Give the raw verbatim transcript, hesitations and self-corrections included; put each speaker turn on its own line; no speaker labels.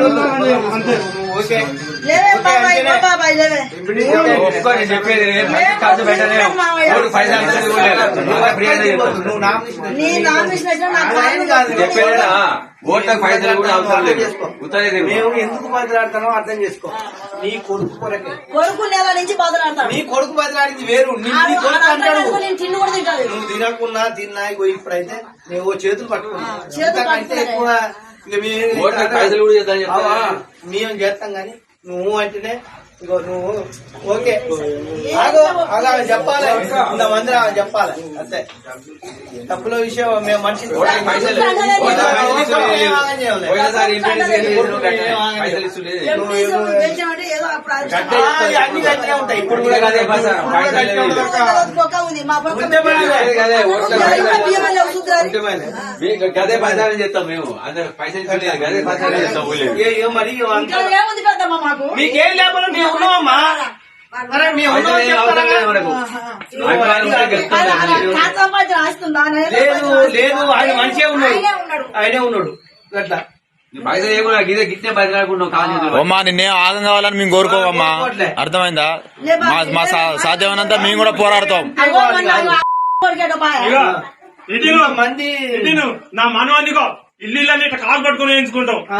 చెప్పేది ఖర్చు పెట్టలే చెప్పేదా ఓట్లకు పైసలు కూడా అవసరం లేదు.
మేము ఎందుకు బదిలాడతానో అర్థం చేసుకో. నీ కొడుకు కొరకే
కొడుకు నెల నుంచి బదిలాడతాను.
నీ కొడుకు బదిలాడింది వేరు. నువ్వు తినకున్నా తిన్నా ఇప్పుడైతే నువ్వు చేతులు పట్టుకున్నా ఎక్కువ
పైసలు కూడా చేద్దాం
మేము చేస్తాం గాని నువ్వు అంటేనే ఇగో నువ్వు ఓకే ఆగో ఆగా చెప్పాలి. ఇంతమంది చెప్పాలి అంతే. తప్పుల విషయం మేము మనిషి
పైసలు
అన్ని గట్టిగా ఉంటాయి. ఇప్పుడు కూడా
గదే పైసలు చేస్తాం మేము. అందరు పైసలు గదే పైసలు చేస్తాం.
మరి మీకేం లేకపోతే మేము ఉన్నామమ్మా. లేదు లేదు ఆయన మంచిగా ఉన్నాడు. ఆయనే ఉన్నాడు అట్లా
పైసలు ఏమన్నా గిదే గిట్టే బతిలాడుకుంటాం కాదు.
అమ్మా నిన్నే ఆగం కావాలని మేము కోరుకోవమ్మా. అర్థమైందా? మా సాధ్యమైనంత మేము కూడా పోరాడతాం.
మంది
నా మనవాడినికో ఇల్లు ఇల్లు కాలు పట్టుకుని వేయించుకుంటాం.